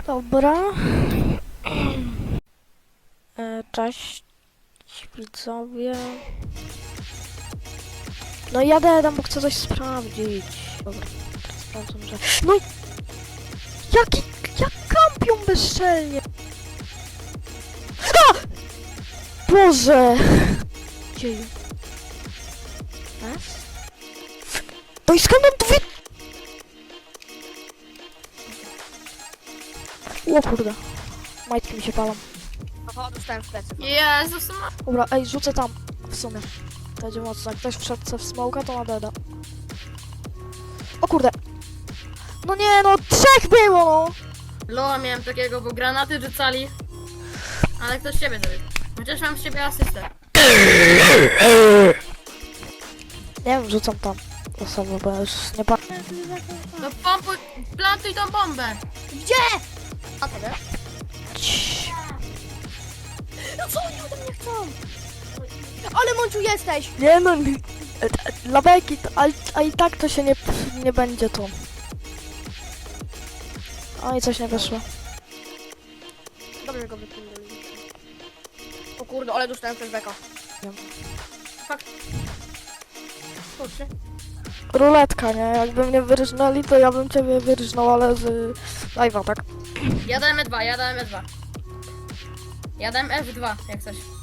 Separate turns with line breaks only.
Dobra. Cześć widzowie. No jadę tam, bo chcę coś sprawdzić. Dobra, teraz sprawdzam, że... No i... Jak kampią bezczelnie! A! Boże! Dzieje. Raz? No i skąd on tu wie... O kurde. Majtki mi się palą.
Aha, dostałem w plecy.
Jezus,
Dobra, ej, rzucę tam. W sumie. To będzie mocno. Jak ktoś wszedł w smoka, to ma deda. O kurde. No nie, no 3 było, no.
Loa miałem takiego, bo granaty rzucali. Ale ktoś ciebie zrobił. Chociaż mam z ciebie asystę.
Nie wiem, rzucam tam osobę, bo ja już nie pamiętam.
No pompuj, plantuj tą bombę.
Gdzie? A tyle? No co oni ode mnie chcą? Ale Mąciu jesteś!
Nie no, dla beki, a i tak to się nie będzie to. O i coś nie wyszło.
Dobrze go wypłynęli. O kurde, ale dostałem flashbacka.
Wiem.
Fakt. Kurczę.
Ruletka, nie? Jakby mnie wyrżnęli, to ja bym ciebie wyrżnął, ale z live'a, tak?
Ja dałem E2, ja dałem E2. Ja dałem F2, jak coś.